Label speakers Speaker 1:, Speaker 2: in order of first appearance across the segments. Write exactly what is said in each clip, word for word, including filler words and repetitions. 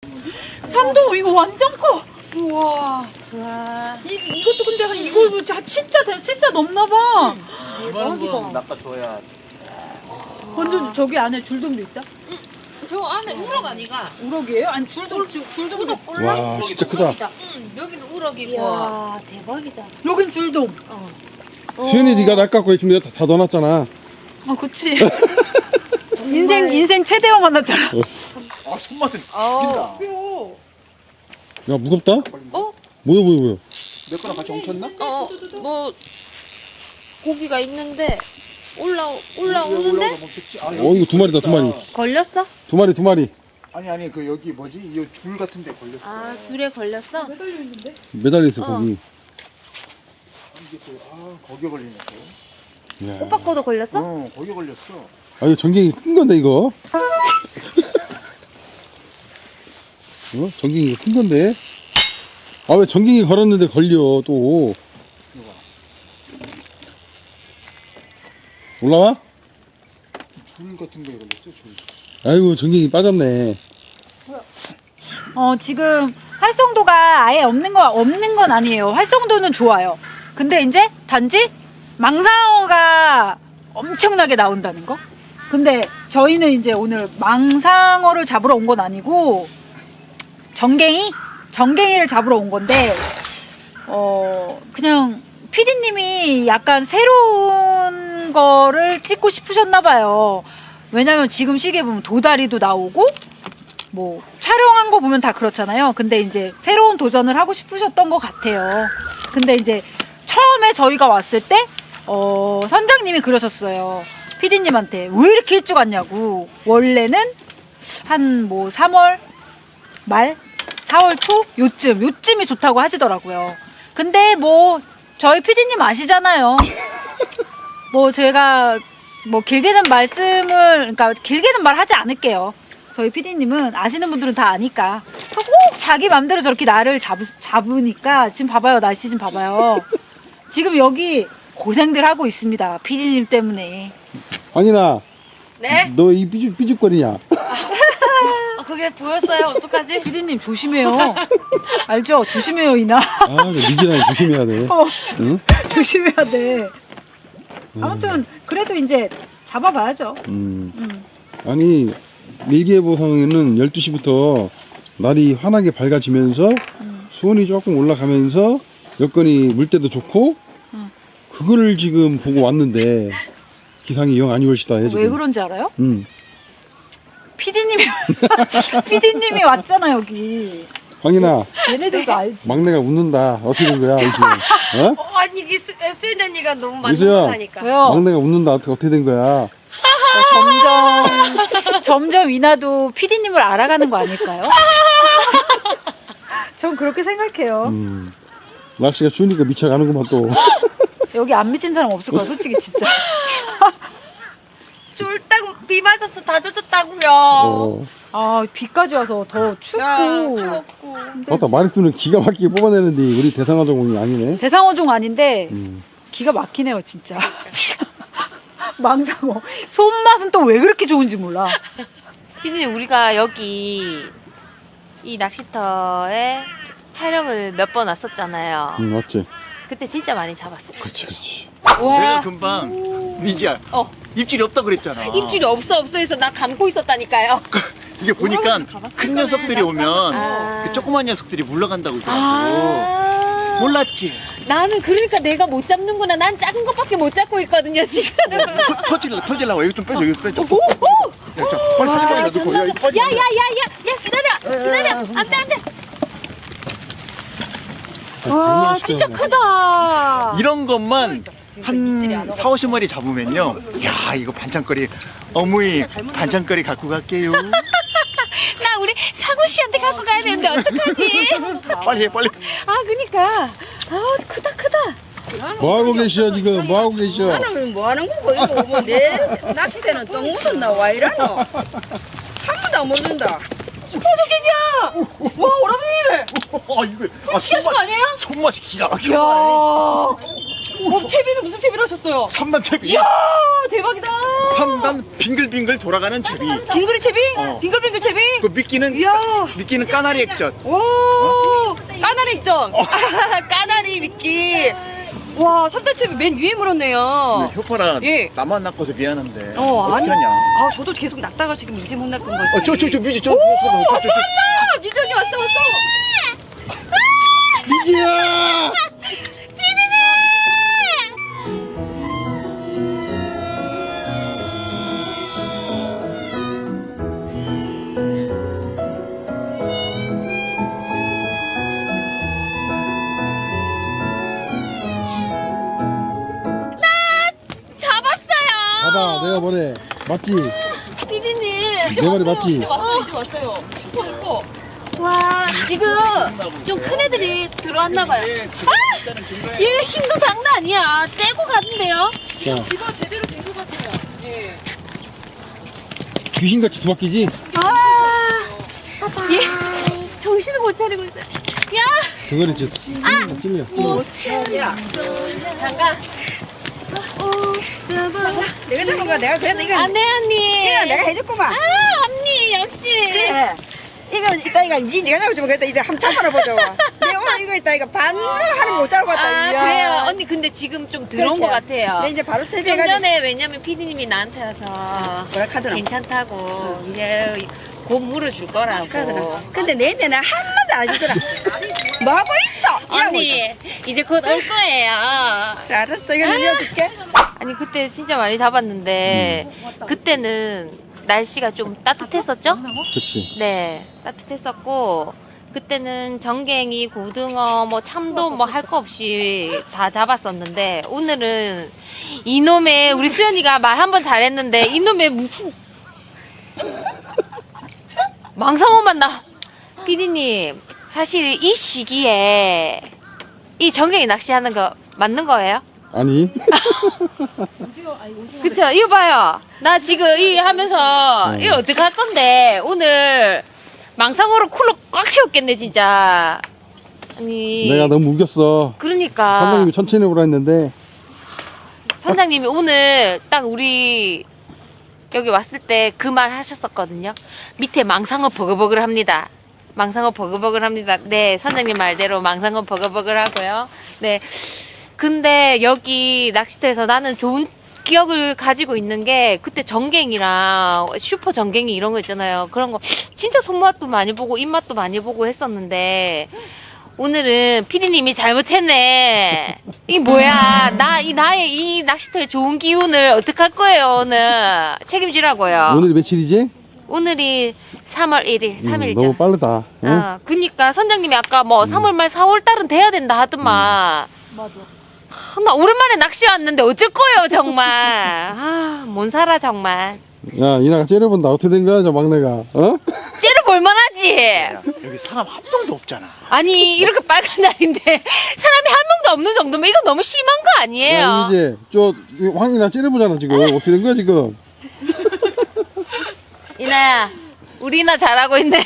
Speaker 1: 참돔 이거 완전 커. 우와.
Speaker 2: 와.
Speaker 1: 이, 이것도 근데 한 이거 자, 진짜 대- 진짜 넘나봐.
Speaker 3: 이만한 건 낚아줘야.
Speaker 1: 완전 저기 안에 줄돔도 있다.
Speaker 2: 저 안에 우럭 아니가?
Speaker 1: 우럭이에요? 아니 줄돔 줄- 줄돔도.
Speaker 4: 와 진짜 크다.
Speaker 2: 응, 여기는 우럭이고.
Speaker 1: 이야 대박이다. 여긴 줄돔.
Speaker 2: 어.
Speaker 4: 수현이 네가 낚았고 지금 여기 다, 다 넣어놨잖아.
Speaker 1: 아 그치. 인생 인생 최대형 만났잖아.
Speaker 3: 아 손맛은
Speaker 2: 어.
Speaker 3: 죽인다.
Speaker 4: 야 무겁다?
Speaker 2: 어?
Speaker 4: 뭐야 뭐야 뭐야?
Speaker 3: 내 거랑 같이 엉켰나?
Speaker 2: 어, 뭐 고기가 있는데 올라
Speaker 3: 여기
Speaker 2: 올라오는데
Speaker 3: 올라오다 멈췄지? 아,
Speaker 4: 어 이거 두 마리다 두 마리.
Speaker 2: 걸렸어?
Speaker 4: 두 마리 두 마리.
Speaker 3: 아니 아니 그 여기 뭐지? 이 줄 같은 데 걸렸어.
Speaker 2: 아, 줄에 걸렸어?
Speaker 4: 매달려 있어
Speaker 2: 어.
Speaker 4: 거기.
Speaker 3: 이게 또, 아 거기에 걸리네 또.
Speaker 4: 야.
Speaker 2: 오빠 거도 걸렸어?
Speaker 3: 어 거기에 걸렸어.
Speaker 4: 아 이거 전갱이 큰 건데 이거. 어? 전갱이 이거 큰 건데. 아 왜 전갱이 걸었는데 걸려 또.
Speaker 3: 이거 봐.
Speaker 4: 올라와?
Speaker 3: 줄 같은 데에 걸렸어 줄.
Speaker 4: 아이고 전갱이 빠졌네.
Speaker 1: 어 지금 활성도가 아예 없는 거 없는 건 아니에요. 활성도는 좋아요. 근데 이제 단지 망상어가 엄청나게 나온다는 거. 근데 저희는 이제 오늘 망상어를 잡으러 온 건 아니고 정갱이 정갱이를 잡으러 온 건데 어 그냥 피디님이 약간 새로운 거를 찍고 싶으셨나 봐요. 왜냐면 지금 시기에 보면 도다리도 나오고 뭐 촬영한 거 보면 다 그렇잖아요. 근데 이제 새로운 도전을 하고 싶으셨던 것 같아요. 근데 이제 처음에 저희가 왔을 때 어, 선장님이 그러셨어요. 피디님한테 왜 이렇게 일찍 왔냐고. 원래는 한 뭐 삼월 말, 사월 초 요쯤 요쯤이 좋다고 하시더라고요. 근데 뭐 저희 피디님 아시잖아요. 뭐 제가 뭐 길게는 말씀을 그러니까 길게는 말하지 않을게요. 저희 피디님은 아시는 분들은 다 아니까 꼭 자기 맘대로 저렇게 나를 잡, 잡으니까 지금 봐봐요. 날씨 좀 봐봐요. 지금 여기 고생들 하고 있습니다. 피디님 때문에.
Speaker 4: 아니나.
Speaker 2: 네?
Speaker 4: 너 이 삐죽 삐죽거리냐?
Speaker 2: 아, 그게 보였어요. 어떡하지?
Speaker 1: 피디님 조심해요. 알죠? 조심해요 이나.
Speaker 4: 아 미기랑 조심해야 돼.
Speaker 1: 어,
Speaker 4: 응?
Speaker 1: 조심해야 돼. 아무튼 그래도 이제 잡아봐야죠.
Speaker 4: 음.
Speaker 1: 음.
Speaker 4: 아니 일기예보상에는 열두 시부터 날이 환하게 밝아지면서
Speaker 1: 음.
Speaker 4: 수온이 조금 올라가면서 여건이 물때도 좋고
Speaker 1: 음.
Speaker 4: 그거를 지금 보고 왔는데 기상이 영 안 좋으시다 해 지금.
Speaker 1: 왜 그런지 알아요?
Speaker 4: 음.
Speaker 1: 피디님이 피디님이 왔잖아 여기.
Speaker 4: 황인아
Speaker 1: 얘네들도 알지.
Speaker 4: 막내가 웃는다. 어떻게 된 거야 이수야? 어?
Speaker 2: 어, 아니 이게 수, 수인 언니가 너무
Speaker 4: 이수야.
Speaker 2: 만족하니까.
Speaker 1: 왜요?
Speaker 4: 막내가 웃는다. 어떻게 어떻게 된 거야?
Speaker 1: 점점 점점 이나도 피디님을 알아가는 거 아닐까요? 전 그렇게 생각해요.
Speaker 4: 음. 날씨가 추우니까 미쳐가는구만 또.
Speaker 1: 여기 안 미친 사람 없을 거야 솔직히 진짜.
Speaker 2: 쫄딱 비 맞아서 다 젖었다고요.
Speaker 4: 어.
Speaker 1: 아 비까지 와서 더 춥고.
Speaker 2: 야, 추웠고.
Speaker 4: 맞다 마리수는 기가 막히게 뽑아내는데 우리 대상어종이 아니네.
Speaker 1: 대상어종 아닌데
Speaker 4: 음.
Speaker 1: 기가 막히네요 진짜. 망상어 손맛은 또 왜 그렇게 좋은지 몰라.
Speaker 2: 피디님 우리가 여기 이 낚시터에 촬영을 몇 번 왔었잖아요.
Speaker 4: 음, 맞지.
Speaker 2: 그때 진짜 많이 잡았어요.
Speaker 4: 그렇지 그렇지.
Speaker 3: 내가 금방 미지야
Speaker 2: 어.
Speaker 3: 입질이 없다 그랬잖아.
Speaker 2: 입질이 없어 없어 해서 나 감고 있었다니까요.
Speaker 3: 이게 보니까 큰 녀석들이 오면
Speaker 2: 아.
Speaker 3: 그 조그만 녀석들이 물러간다고 그러더라고.
Speaker 2: 아.
Speaker 3: 몰랐지?
Speaker 2: 나는 그러니까 내가 못 잡는구나. 난 작은 것밖에 못 잡고 있거든요 지금.
Speaker 3: 터, 터질라 터질라고 여기 좀 빼줘 여기 빼줘.
Speaker 2: 오, 오.
Speaker 3: 자, 자, 빨리 사진
Speaker 2: 와,
Speaker 3: 넣고 야, 이거 빠지면 안 돼.
Speaker 2: 야야야야야 기다려 기다려 안돼 안돼.
Speaker 4: 아,
Speaker 2: 와 진짜 크다.
Speaker 3: 이런 것만 한 사오십 마리 잡으면요. 야 이거 반찬거리 어머니 반찬거리 갖고 갈게요.
Speaker 2: 나 우리 상우 씨한테 갖고 가야 되는데 어떡하지?
Speaker 3: 빨리 해 빨리.
Speaker 2: 아 그니까 아 크다 크다.
Speaker 4: 뭐하고 계셔 지금? 뭐하고 계셔?
Speaker 5: 나는 뭐 하는 거고 이거 뭐내 낚싯대는 똥 묻었나 와 이러노 한 번도 안 묻는다 스포츠갱이야 와 오라비
Speaker 3: 아 이거 아,
Speaker 5: 미치겠어
Speaker 3: 손맛,
Speaker 5: 아니에요?
Speaker 3: 손맛이 기가
Speaker 5: 야
Speaker 3: 막혀.
Speaker 5: 어, 채비는 무슨 채비를 하셨어요?
Speaker 3: 삼 단 채비.
Speaker 5: 이야, 대박이다.
Speaker 3: 삼 단 빙글빙글 돌아가는 채비.
Speaker 5: 빙그리 채비?
Speaker 3: 어.
Speaker 5: 빙글빙글 채비?
Speaker 3: 그 미끼는
Speaker 5: 이야.
Speaker 3: 미끼는 까나리 액젓.
Speaker 5: 오, 까나리 액정. 까나리 미끼. 와, 삼 단 채비 맨 위에 물었네요.
Speaker 3: 효파라
Speaker 5: 예.
Speaker 3: 나만 낚아서 미안한데
Speaker 5: 어,
Speaker 3: 어떻게
Speaker 5: 아니.
Speaker 3: 하냐?
Speaker 5: 아, 저도 계속 낚다가 지금 이제 못 낚은 거지.
Speaker 3: 어, 저 저 저 뮤지 저.
Speaker 5: 오,
Speaker 3: 저, 저, 저, 저, 저.
Speaker 5: 왔다! 미정이 왔다, 왔다.
Speaker 3: 뮤지야.
Speaker 2: 잡았어요.
Speaker 4: 봐봐, 내가 뭐래. 맞지?
Speaker 2: 피디님.
Speaker 4: 내 말이 맞지?
Speaker 5: 이제 왔어요, 이제 왔어요. 슈퍼, 슈퍼.
Speaker 2: 와, 지금 좀 큰 애들이 들어왔나봐요. 아! 얘 힘도 장난 아니야. 째고 가는데요.
Speaker 4: 자,
Speaker 5: 지가 제대로 된 것 같아요. 예.
Speaker 4: 귀신같이 두 바퀴지?
Speaker 2: 아, 얘 정신을 못 차리고 있어요. 야,
Speaker 4: 그거는 이제 찔려, 찔려.
Speaker 5: 오, 채야.
Speaker 2: 잠깐.
Speaker 5: 내가 잡은 거야. 내가 그래도 이거
Speaker 2: 안 돼, 언니.
Speaker 5: 이거 내가 해줬구만.
Speaker 2: 아, 언니, 역시.
Speaker 5: 그래. 이거 이따 이거 이제 내가 잡으면 그랬다. 이제 한참 걸어보자. 내가 오늘 이거 있다. 이거 반을 하는 못 잡고 왔다.
Speaker 2: 아,
Speaker 5: 이야.
Speaker 2: 그래요. 언니, 근데 지금 좀 들어온 것
Speaker 5: 그렇지.
Speaker 2: 같아요.
Speaker 5: 내 이제 바로
Speaker 2: 좀
Speaker 5: 퇴비해가지고.
Speaker 2: 전에 왜냐면 피디님이 나한테 와서
Speaker 5: 뭐라 카드나.
Speaker 2: 괜찮다고 이제 곧 물어줄 거라고.
Speaker 5: 카드나. 근데 내내는 한마디 안 해주더라. 뭐 하고 있어? 이러고
Speaker 2: 언니 이제 곧 올 거예요.
Speaker 5: 있어. 알았어. 이거 밀어줄게.
Speaker 2: 아니 그때 진짜 많이 잡았는데 그때는 날씨가 좀 따뜻했었죠?
Speaker 4: 그치.
Speaker 2: 네, 따뜻했었고 그때는 전갱이, 고등어, 뭐 참돔 뭐 할 거 없이 다 잡았었는데 오늘은 이놈의 우리 수연이가 말 한 번 잘했는데 이놈의 무슨 망상어만 나. 피디님 사실 이 시기에 이 전갱이 낚시하는 거 맞는 거예요?
Speaker 4: 아니.
Speaker 2: 그쵸? 이거 봐요. 나 지금 이 하면서
Speaker 4: 네.
Speaker 2: 이거 어떻게 할 건데 오늘 망상어로 쿨러 꽉 채웠겠네 진짜. 아니
Speaker 4: 내가 너무 우겼어.
Speaker 2: 그러니까
Speaker 4: 선생님이 천천히 해보라 했는데.
Speaker 2: 선장님이 오늘 딱 우리 여기 왔을 때 그 말 하셨었거든요. 밑에 망상어 버글버글 합니다. 망상어 버글버글 합니다. 네, 선장님 말대로 망상어 버글버글 하고요. 네. 근데 여기 낚시터에서 나는 좋은 기억을 가지고 있는 게 그때 전갱이랑 슈퍼 전갱이 이런 거 있잖아요. 그런 거 진짜 손맛도 많이 보고 입맛도 많이 보고 했었는데 오늘은 피디님이 잘못했네. 이게 뭐야? 나 이 나의 이 낚시터의 좋은 기운을 어떻게 할 거예요 오늘? 책임지라고요.
Speaker 4: 오늘이 며칠이지?
Speaker 2: 오늘이 삼월 일일, 삼 일자.
Speaker 4: 음, 너무 빠르다. 응?
Speaker 2: 어, 그니까 선장님이 아까 뭐 삼월 말 사월 달은 돼야 된다 하더만.
Speaker 1: 맞아.
Speaker 2: 하, 나 오랜만에 낚시 왔는데 어쩔 거예요 정말. 아, 못 살아 정말.
Speaker 4: 야, 이나가 째려본다. 어떻게 된 거야, 저 막내가? 어?
Speaker 2: 째려 볼만하지.
Speaker 3: 야, 여기 사람 한 명도 없잖아.
Speaker 2: 아니 이렇게 빨간 날인데 사람이 한 명도 없는 정도면 이거 너무 심한 거 아니에요?
Speaker 4: 야, 이제, 저, 황이나 째려보잖아, 지금. 어떻게 된 거야, 지금?
Speaker 2: 이나야, 우리 이나 잘하고 있네.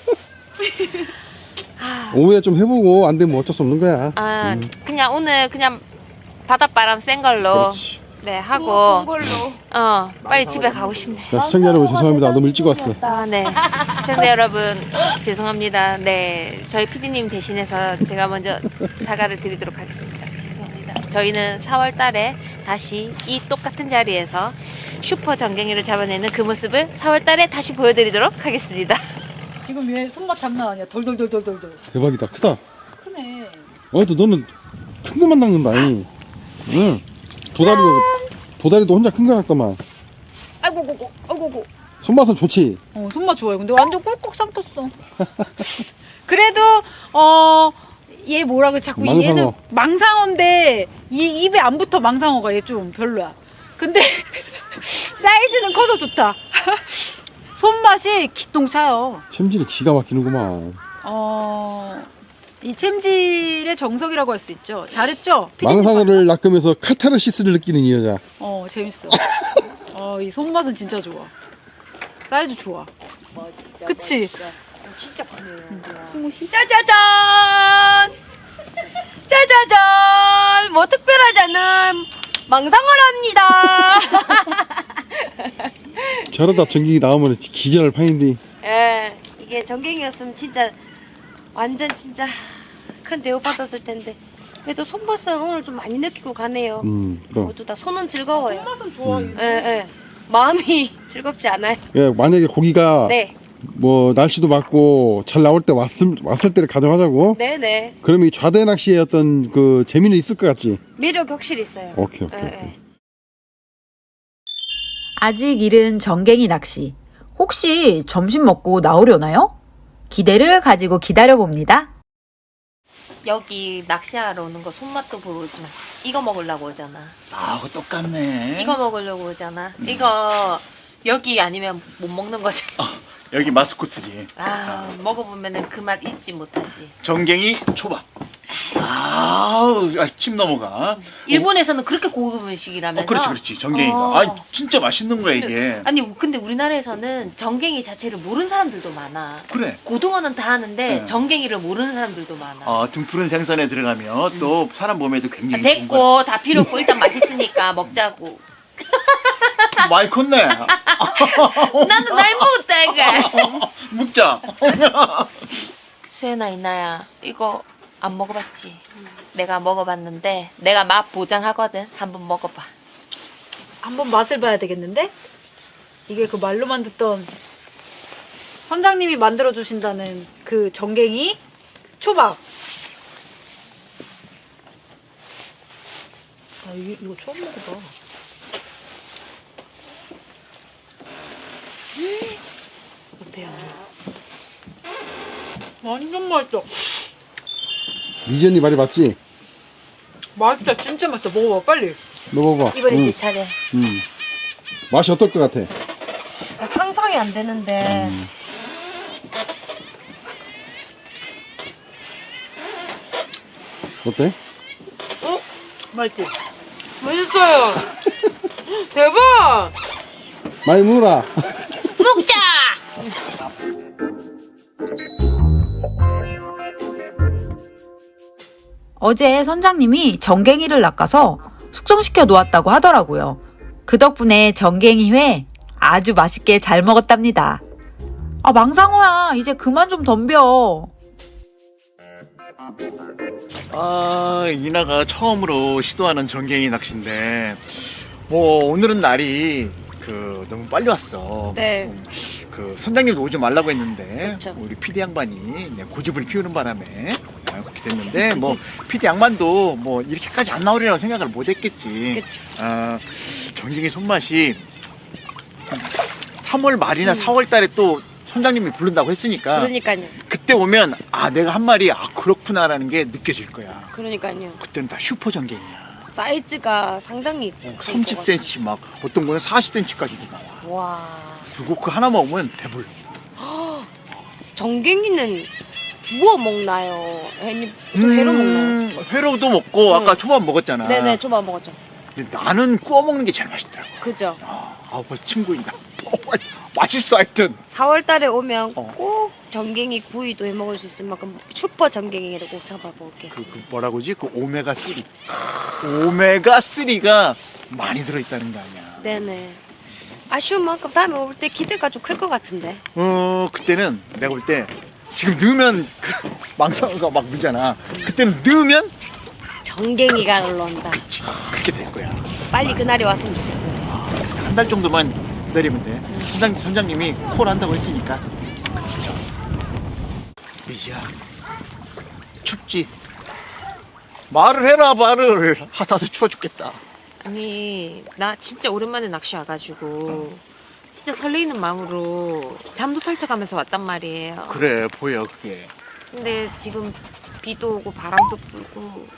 Speaker 4: 오후에 좀 해보고, 안 되면 어쩔 수 없는 거야.
Speaker 2: 아,
Speaker 4: 음.
Speaker 2: 그냥 오늘 그냥 바닷바람 센 걸로
Speaker 4: 그렇지.
Speaker 2: 네 하고 어 빨리 집에 가고 싶네.
Speaker 4: 자, 시청자 여러분, 죄송합니다. 너무 일찍 왔어.
Speaker 2: 아, 네. 시청자 여러분, 죄송합니다. 네. 저희 피디님 대신해서 제가 먼저 사과를 드리도록 하겠습니다. 죄송합니다. 저희는 사월 달에 다시 이 똑같은 자리에서 슈퍼 전갱이를 잡아내는 그 모습을 사월 달에 다시 보여드리도록 하겠습니다.
Speaker 1: 지금 얘 손맛 장난 아니야. 덜덜덜덜덜덜.
Speaker 4: 대박이다. 크다.
Speaker 1: 크네.
Speaker 4: 어, 또 너는 큰 것만 낚는다. 잉. 응. 도다리도, 도다리도 혼자 큰 거 낚더만.
Speaker 5: 아이고, 고고, 아이고, 고.
Speaker 4: 손맛은 좋지.
Speaker 1: 어, 손맛 좋아요. 근데 완전 꿀꺽 삼켰어. 그래도 어, 얘 뭐라고 자꾸
Speaker 4: 망상어.
Speaker 1: 얘는 망상어인데 이 입에 안 붙어. 망상어가 얘 좀 별로야. 근데 사이즈는 커서 좋다. 손맛이 기똥차요.
Speaker 4: 챔질이 기가 막히는구만.
Speaker 1: 어, 이 챔질의 정석이라고 할 수 있죠. 잘했죠? 피디님
Speaker 4: 망상어를 낚으면서 카타르시스를 느끼는 이 여자.
Speaker 1: 봤어? 어, 재밌어. 어, 이 손맛은 진짜 좋아. 사이즈 좋아. 그치?
Speaker 5: 진짜 크네요. 짜자잔! 짜자잔! 오늘은 뭐 특별하지 않은 망상을 합니다.
Speaker 4: 저러다 전갱이 나오면 기절할 판인데.
Speaker 5: 예, 이게 전갱이였으면 진짜 완전 진짜 큰 대우 받았을 텐데 그래도 손맛은 오늘 좀 많이 느끼고 가네요.
Speaker 4: 음, 그럼.
Speaker 5: 모두 다 손은 즐거워요.
Speaker 1: 맛은 좋아.
Speaker 4: 음.
Speaker 5: 예, 예. 마음이 즐겁지 않아요.
Speaker 4: 예, 만약에 고기가
Speaker 5: 네,
Speaker 4: 뭐 날씨도 맞고 잘 나올 때 왔을 왔을 때를 가져가자고.
Speaker 5: 네, 네.
Speaker 4: 그러면 이 좌대 낚시의 어떤 그 재미는 있을 것 같지.
Speaker 5: 매력이 확실히 있어요.
Speaker 4: 오케이, 오케이.
Speaker 5: 예,
Speaker 4: 오케이.
Speaker 5: 예.
Speaker 6: 아직 이른 정갱이 낚시. 혹시 점심 먹고 나오려나요? 기대를 가지고 기다려봅니다.
Speaker 2: 여기 낚시하러 오는 거 손맛도 보러 오지만 이거 먹으려고 오잖아.
Speaker 3: 아, 그거 똑같네.
Speaker 2: 이거 먹으려고 오잖아. 이거 여기 아니면 못 먹는 거지.
Speaker 3: 여기 마스코트지.
Speaker 2: 아, 먹어보면은 그 맛 잊지 못하지.
Speaker 3: 정갱이 초밥. 아우, 아, 침 넘어가.
Speaker 2: 일본에서는 그렇게 고급 음식이라면서.
Speaker 3: 어, 그렇지, 그렇지. 정갱이가.
Speaker 2: 어.
Speaker 3: 아, 진짜 맛있는 거야, 이게.
Speaker 2: 근데, 아니 근데 우리나라에서는 정갱이 자체를 모르는 사람들도 많아.
Speaker 3: 그래.
Speaker 2: 고등어는 다 하는데
Speaker 3: 네.
Speaker 2: 정갱이를 모르는 사람들도 많아.
Speaker 3: 어, 등푸른 생선에 들어가면 또 사람 몸에도 굉장히
Speaker 2: 아,
Speaker 3: 좋은 거야.
Speaker 2: 됐고 다 필요 없고 일단 맛있으니까 먹자고.
Speaker 3: 많이 컸네.
Speaker 2: 나도 날 못다가.
Speaker 3: 묵자.
Speaker 2: 수연아 이나야 이거 안 먹어봤지? 내가 먹어봤는데 내가 맛 보장하거든. 한번 먹어봐.
Speaker 1: 한번 맛을 봐야 되겠는데? 이게 그 말로만 듣던 선장님이 만들어 주신다는 그 정갱이 초밥. 아, 이거, 이거 처음 먹어봐.
Speaker 2: 어때요?
Speaker 1: 완전 맛있어.
Speaker 4: 미전이 말이 맞지?
Speaker 1: 맛있다. 진짜 맛있다. 먹어봐, 빨리.
Speaker 4: 먹어봐.
Speaker 5: 이번에
Speaker 4: 음,
Speaker 5: 내 차례.
Speaker 4: 음. 맛이 어떨 것 같아?
Speaker 5: 아, 상상이 안 되는데.
Speaker 4: 음. 어때?
Speaker 1: 어? 맛있지? 맛있어요. 대박!
Speaker 4: 많이 먹어라.
Speaker 2: 먹자!
Speaker 6: 어제 선장님이 정갱이를 낚아서 숙성시켜 놓았다고 하더라고요. 그 덕분에 정갱이회 아주 맛있게 잘 먹었답니다. 아, 망상호야, 이제 그만 좀 덤벼.
Speaker 3: 아, 이나가 처음으로 시도하는 정갱이 낚시인데, 뭐, 오늘은 날이 그 너무 빨리 왔어.
Speaker 5: 네.
Speaker 3: 음, 그 선장님도 오지 말라고 했는데,
Speaker 5: 그쵸.
Speaker 3: 우리 피디 양반이 네, 고집을 피우는 바람에 아, 그렇게 됐는데, 뭐, 피디 양반도 뭐, 이렇게까지 안 나오리라고 생각을 못 했겠지.
Speaker 5: 그쵸.
Speaker 3: 아, 정갱이 손맛이 삼월 말이나
Speaker 5: 음.
Speaker 3: 사월 달에 또 선장님이 부른다고 했으니까,
Speaker 5: 그러니까요.
Speaker 3: 그때 오면 아 내가 한 마리 아 그렇구나라는 게 느껴질 거야.
Speaker 5: 그러니까요.
Speaker 3: 그때는 다 슈퍼 전갱이야.
Speaker 5: 사이즈가 상당히
Speaker 3: 삼십 센티미터 막 어떤 거는 사십 센티미터까지도 나와.
Speaker 5: 와.
Speaker 3: 그리고 그 하나 먹으면 배불러.
Speaker 5: 정갱이는 구워 먹나요? 회니 또 회로 먹나요?
Speaker 3: 음, 회로도 먹고 아까
Speaker 5: 응.
Speaker 3: 초밥 먹었잖아.
Speaker 5: 네네, 초밥 먹었죠.
Speaker 3: 근데 나는 구워 먹는 게 제일 맛있더라고.
Speaker 5: 그죠.
Speaker 3: 아, 아 벌써 침 고인다. 어, 맛- 맛있어 하여튼.
Speaker 5: 사월 달에 오면
Speaker 3: 어.
Speaker 5: 꼭 정갱이 구이도 해 먹을 수 있을 만큼 슈퍼 정갱이를 꼭 잡아보겠습니다.
Speaker 3: 그, 그 뭐라고지? 그 오메가 삼. 오메가 삼가 많이 들어있다는 거 아니야.
Speaker 5: 네네. 아쉬운 만큼 다음에 올 때 기대가 좀 클 것 같은데.
Speaker 3: 어 그때는 내가 볼 때 지금 넣으면 그 망상어가 막 물잖아. 그때는 넣으면
Speaker 5: 정갱이가 올라온다.
Speaker 3: 그치 그렇게 될 거야.
Speaker 5: 빨리 그날이 왔으면 좋겠어요.
Speaker 3: 한 달 정도만 기다리면 돼. 선장, 선장님이 콜 한다고 했으니까. 진짜. 미지야 춥지? 말을 해라 말을. 하다도 추워 죽겠다.
Speaker 2: 아니 나 진짜 오랜만에 낚시 와가지고 진짜 설레이는 마음으로 잠도 설쳐가면서 왔단 말이에요.
Speaker 3: 그래 보여 그게.
Speaker 2: 근데 지금 비도 오고 바람도 불고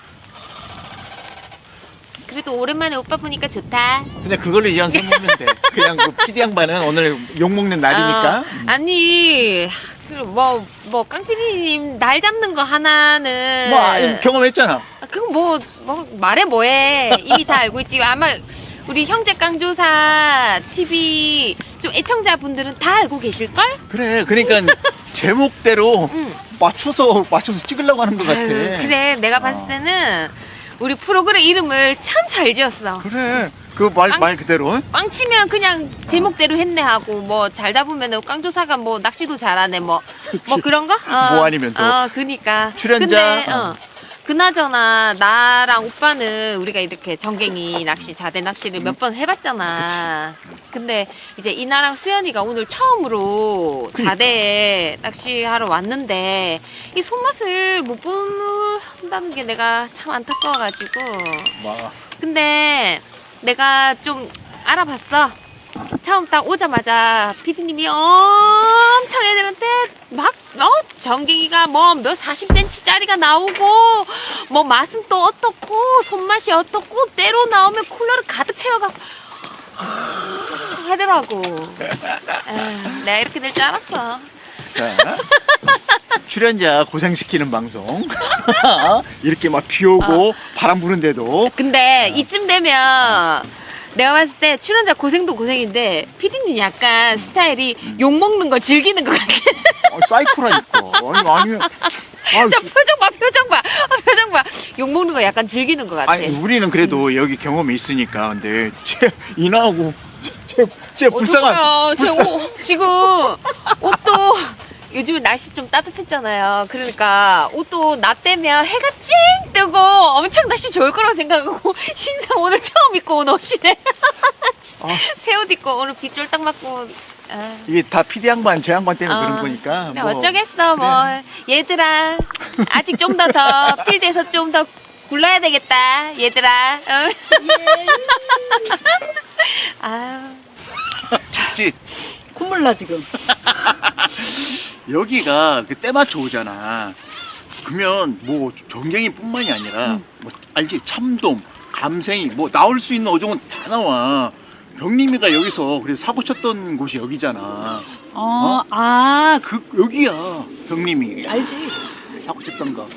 Speaker 2: 그래도 오랜만에 오빠 보니까 좋다.
Speaker 3: 근데 그걸로 이왕 써먹으면 돼. 그냥 그 피디 양반은 오늘 욕먹는 날이니까.
Speaker 2: 어, 아니 뭐뭐 뭐 깡피디님 날 잡는 거 하나는
Speaker 3: 뭐 아, 경험했잖아.
Speaker 2: 아, 그거 뭐, 뭐 말해 뭐해. 이미 다 알고 있지. 아마 우리 형제 깡조사 티비 좀 애청자분들은 다 알고 계실걸?
Speaker 3: 그래 그러니까 제목대로
Speaker 2: 응.
Speaker 3: 맞춰서 맞춰서 찍으려고 하는 것 같아.
Speaker 2: 아유, 그래 내가 봤을
Speaker 3: 어.
Speaker 2: 때는 우리 프로그램 이름을 참 잘 지었어.
Speaker 3: 그래. 그 말 말 그대로.
Speaker 2: 꽝 치면 그냥 제목대로 했네 하고 뭐 잘 잡으면 꽝조사가 뭐 낚시도 잘하네 뭐 뭐 그런 거? 어.
Speaker 3: 뭐 아니면 또.
Speaker 2: 어, 그니까.
Speaker 3: 출연자.
Speaker 2: 근데 어. 그나저나 나랑 오빠는 우리가 이렇게 정갱이 낚시, 자대 낚시를 몇 번 해봤잖아. 근데 이제 이나랑 수연이가 오늘 처음으로 자대에 낚시하러 왔는데 이 손맛을 못 본다는 게 내가 참 안타까워가지고.
Speaker 3: 와.
Speaker 2: 근데 내가 좀 알아봤어. 처음 딱 오자마자 피디님이 엄청 애들한테 막, 어, 정갱이가 뭐 몇 사십 센티미터짜리가 나오고, 뭐 맛은 또 어떻고, 손맛이 어떻고, 때로 나오면 쿨러를 가득 채워가고, 하더라고. 에휴, 내가 이렇게 될 줄 알았어.
Speaker 3: 자, 출연자 고생시키는 방송. 이렇게 막 비 오고 바람 부는데도.
Speaker 2: 근데 이쯤 되면 내가 봤을 때 출연자 고생도 고생인데 피디님 약간 스타일이 욕먹는 거 즐기는 것 같아.
Speaker 3: 어, 사이코라니까. 아니, 아니. 아,
Speaker 2: 저 표정 봐, 표정 봐, 아, 표정 봐. 욕먹는 거 약간 즐기는 것 같아.
Speaker 3: 아니, 우리는 그래도 여기 경험이 있으니까. 근데 쟤 이나하고 쟤, 쟤 불쌍한.
Speaker 2: 어떡해요. 제 옷, 지금 옷도 요즘에 날씨 좀 따뜻했잖아요. 그러니까 옷도 낮 되면 해가 찡 뜨고 엄청 날씨 좋을 거라고 생각하고 신상 오늘 처음 입고 온 옷이네.
Speaker 3: 아.
Speaker 2: 새 옷 입고 오늘 비 쫄딱 맞고. 아.
Speaker 3: 이게 다 피디 양반, 제 양반 때문에
Speaker 2: 어,
Speaker 3: 그런 거니까.
Speaker 2: 그래,
Speaker 3: 뭐.
Speaker 2: 어쩌겠어 뭐 얘들아 아직 좀 더 더 필드에서 좀 더 굴러야 되겠다 얘들아. 어? 아유.
Speaker 3: 춥지?
Speaker 1: 콧물 나 지금.
Speaker 3: 여기가 그 때 맞춰 오잖아. 그러면 뭐 정갱이뿐만이 아니라
Speaker 1: 음.
Speaker 3: 뭐 알지? 참돔, 감생이 뭐 나올 수 있는 어종은 다 나와. 병림이가 여기서 그래서 사고 쳤던 곳이 여기잖아.
Speaker 1: 어, 아,
Speaker 3: 그 여기야 병림이.
Speaker 1: 알지.
Speaker 3: 사고 쳤던 거.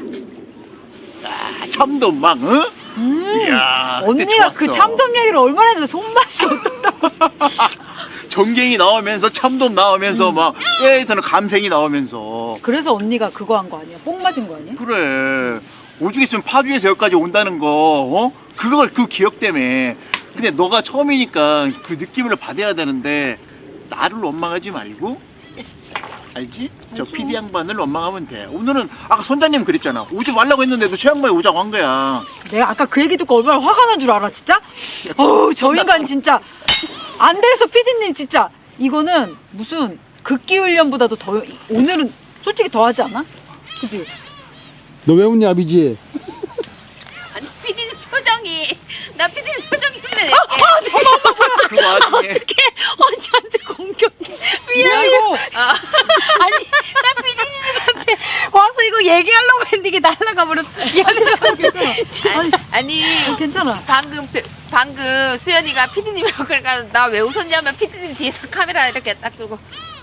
Speaker 3: 아, 참돔 막, 응?
Speaker 1: 음.
Speaker 3: 이야, 그때
Speaker 1: 언니가
Speaker 3: 좋았어.
Speaker 1: 그 참돔 얘기를 얼마나 했는데 손맛이 어떻다고.
Speaker 3: 정갱이 나오면서 참돔 나오면서 막 떼에서는 감생이 나오면서.
Speaker 1: 그래서 언니가 그거 한 거 아니야? 뽕 맞은 거 아니야?
Speaker 3: 그래. 오죽 있으면 파주에서 여기까지 온다는 거, 어? 그걸 그 기억 때문에. 근데 너가 처음이니까 그 느낌을 받아야 되는데, 나를 원망하지 말고, 알지? 저 피디 양반을 원망하면 돼. 오늘은, 아까 선장님 그랬잖아. 오지 말라고 했는데도 최 양반이 오자고 한 거야.
Speaker 1: 내가 아까 그 얘기 듣고 얼마나 화가 난 줄 알아, 진짜? 어우, 저 인간 진짜. 안 돼서 피디님 진짜. 이거는 무슨 극기 훈련보다도 더, 오늘은 솔직히 더 하지 않아? 그치?
Speaker 4: 너 왜 웃냐, 아비지?
Speaker 2: 아니 피디님 표정이 나 피디님 표정이 힘내네.
Speaker 3: 그 와중에.
Speaker 1: 어떻게 언니한테 공격해? 미안해. 아니, 나 피디님한테 와서 이거 얘기하려고 했는데 이게 날아가 버렸어. 미안해. 괜찮아.
Speaker 2: 아니, 아니
Speaker 1: 괜찮아.
Speaker 2: 방금 표- 방금 수연이가 피디님이라고 그러니까 나 왜 웃었냐면 피디님 뒤에서 카메라 이렇게 딱 들고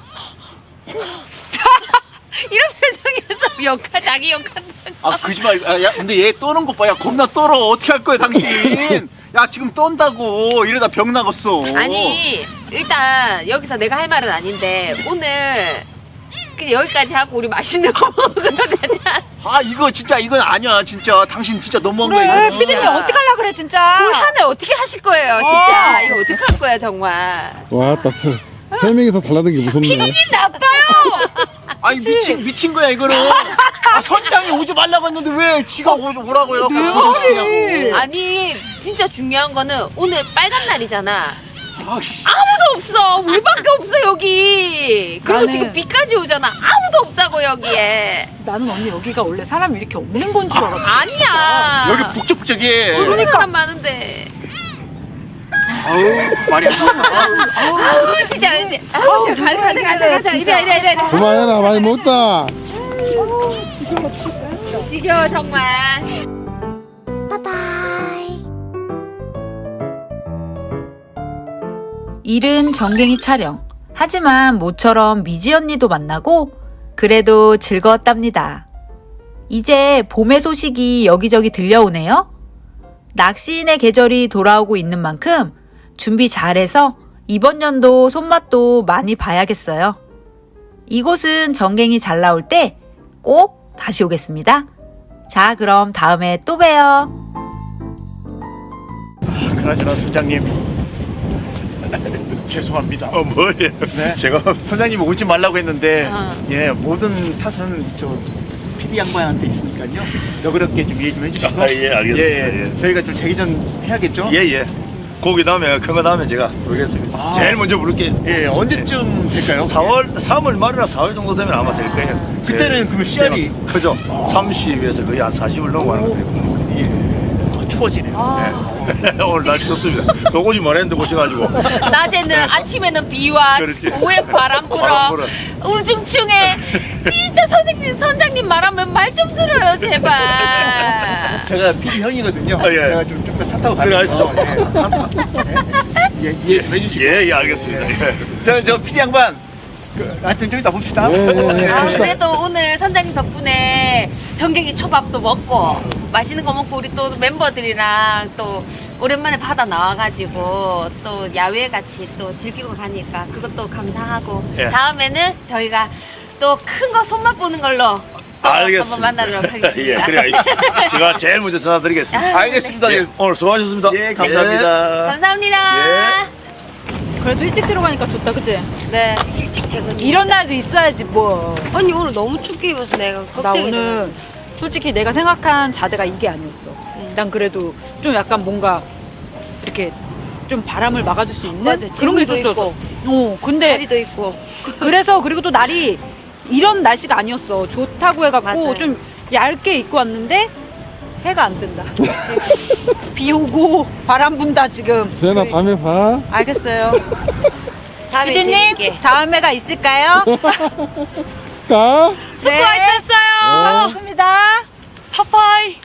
Speaker 2: 이런 표정이었어. 역할 자기 역할.
Speaker 3: 아, 거짓말. 아, 야, 근데 얘 떠는 것 봐. 야, 겁나 떨어. 어떻게 할 거야, 당신? 야, 지금 떤다고. 이러다 병 나갔어.
Speaker 2: 아니 일단 여기서 내가 할 말은 아닌데 오늘 그냥 여기까지 하고 우리 맛있는 거 먹으러 가자.
Speaker 3: 아, 이거 진짜, 이건 아니야. 진짜. 당신 진짜 너무한
Speaker 1: 그래,
Speaker 3: 거야. 이거.
Speaker 1: 피디님 어떻게 하려고 그래, 진짜.
Speaker 2: 올 한해 어떻게 하실 거예요, 진짜?
Speaker 1: 어.
Speaker 2: 이거 어떻게 할 거야, 정말?
Speaker 4: 와, 딱 세, 세 명이서 달라는 게 무섭네.
Speaker 2: 나빠요.
Speaker 3: 아니, 미친, 미친 거야, 이거는. 아, 선장이 오지 말라고 했는데 왜 지가 오, 오라고요?
Speaker 1: 내 말이.
Speaker 2: 아니 진짜 중요한 거는 오늘 빨간 날이잖아.
Speaker 3: 아, 씨.
Speaker 2: 아무도 없어. 우리밖에 없어 여기. 그리고
Speaker 1: 나는-
Speaker 2: 지금 비까지 오잖아. 아무도 없다고 여기에.
Speaker 1: 나는 언니 여기가 원래 사람이 이렇게 없는 건 줄 알았어.
Speaker 2: 아니야.
Speaker 3: 여기 북적북적해.
Speaker 2: 그러니까 사람 많은데.
Speaker 3: 아우, 말이 안 나와.
Speaker 2: 아우 진짜 아닌데. 아우 저 가자 가자 가자 가자. 이래 이래 이래. 이래.
Speaker 4: 그만해라, 많이 먹다.
Speaker 2: 지겨워 정말.
Speaker 6: 일은 정갱이 촬영. 하지만 모처럼 미지 언니도 만나고 그래도 즐거웠답니다. 이제 봄의 소식이 여기저기 들려오네요. 낚시인의 계절이 돌아오고 있는 만큼 준비 잘해서 이번 연도 손맛도 많이 봐야겠어요. 이곳은 정갱이 잘 나올 때 꼭 다시 오겠습니다. 자, 그럼 다음에 또 봬요.
Speaker 3: 그나저나 선장님 죄송합니다.
Speaker 7: 어, 뭐예요?
Speaker 3: 네.
Speaker 7: 제가
Speaker 3: 선장님이 오지 말라고 했는데
Speaker 2: 어.
Speaker 3: 예 모든 탓은 저 피디 양반한테 있으니까요. 너그럽게 좀 이해 좀 해주시고.
Speaker 7: 아, 예, 알겠습니다.
Speaker 3: 예,
Speaker 7: 예.
Speaker 3: 저희가 좀 재기전 해야겠죠?
Speaker 7: 예, 예. 고기 다음에 큰 거 다음에 제가 부르겠습니다.
Speaker 3: 아.
Speaker 7: 제일 먼저 부를게요.
Speaker 3: 예, 언제쯤 될까요?
Speaker 7: 사월, 삼월 말이나 사월 정도 되면 아마 될 거예요.
Speaker 3: 그때는
Speaker 7: 제-
Speaker 3: 그러면 씨알이-
Speaker 7: 제가 크죠? 삼십에서 거의 한 사십을 넘어가는 것 같아요.
Speaker 3: 예, 더 추워지네요.
Speaker 7: 네. 오늘 날씨 좋습니다. 너 오지 말했는데 오셔가지고.
Speaker 2: 낮에는 아침에는 비와
Speaker 7: 그렇지.
Speaker 2: 오후에 바람 불어.
Speaker 7: 바람 불어.
Speaker 2: 울중충해. 진짜 선생님 선장님 말하면 말 좀 들어요 제발.
Speaker 3: 제가 피디 형이거든요.
Speaker 7: 아, 예.
Speaker 3: 제가 좀 좀 차 타고
Speaker 7: 그래,
Speaker 3: 가면서
Speaker 7: 아시죠?
Speaker 3: 예, 예, 이해 좀 해주시고.
Speaker 7: 예, 예, 알겠습니다. 예.
Speaker 3: 저, 저 피디 양반. 그, 하여튼 좀 이따 봅시다.
Speaker 4: 예, 예, 예.
Speaker 2: 아,
Speaker 4: 갑시다.
Speaker 2: 그래도 오늘 선장님 덕분에 전갱이 초밥도 먹고 맛있는 거 먹고 우리 또 멤버들이랑 또 오랜만에 바다 나와가지고 또 야외 같이 또 즐기고 가니까 그것도 감사하고
Speaker 7: 예.
Speaker 2: 다음에는 저희가 또 큰 거 손맛 보는 걸로 또
Speaker 7: 알겠습니다.
Speaker 2: 한번 만나도록 하겠습니다.
Speaker 7: 예, 그래, 제가 제일 먼저 전화드리겠습니다.
Speaker 3: 알겠습니다.
Speaker 7: 예,
Speaker 3: 예,
Speaker 7: 오늘 수고하셨습니다.
Speaker 3: 예, 감사합니다.
Speaker 2: 감사합니다.
Speaker 1: 그래도 일찍 들어가니까 좋다, 그치?
Speaker 5: 네, 일찍 퇴근.
Speaker 1: 이런 날도 있어야지, 뭐.
Speaker 5: 언니 오늘 너무 춥게 입어서 내가
Speaker 1: 나
Speaker 5: 걱정이
Speaker 1: 오늘 솔직히 내가 생각한 자대가 이게 아니었어. 난 그래도 좀 약간 뭔가 이렇게 좀 바람을 막아줄 수 있는
Speaker 5: 맞아,
Speaker 1: 그런 게
Speaker 5: 지붕도
Speaker 1: 있었어.
Speaker 5: 있고.
Speaker 1: 어, 근데
Speaker 5: 자리도 있고.
Speaker 1: 그래서 그리고 또 날이 이런 날씨가 아니었어. 좋다고 해갖고
Speaker 5: 맞아요.
Speaker 1: 좀 얇게 입고 왔는데 해가 안 뜬다. 비 오고 바람 분다 지금.
Speaker 4: 세연아, 다음에 봐.
Speaker 1: 알겠어요.
Speaker 5: 다음에
Speaker 1: 피디님
Speaker 5: 재밌게.
Speaker 1: 다음에가 있을까요?
Speaker 4: 가.
Speaker 5: 수고하셨어요.
Speaker 1: 반갑습니다.
Speaker 5: 파파이.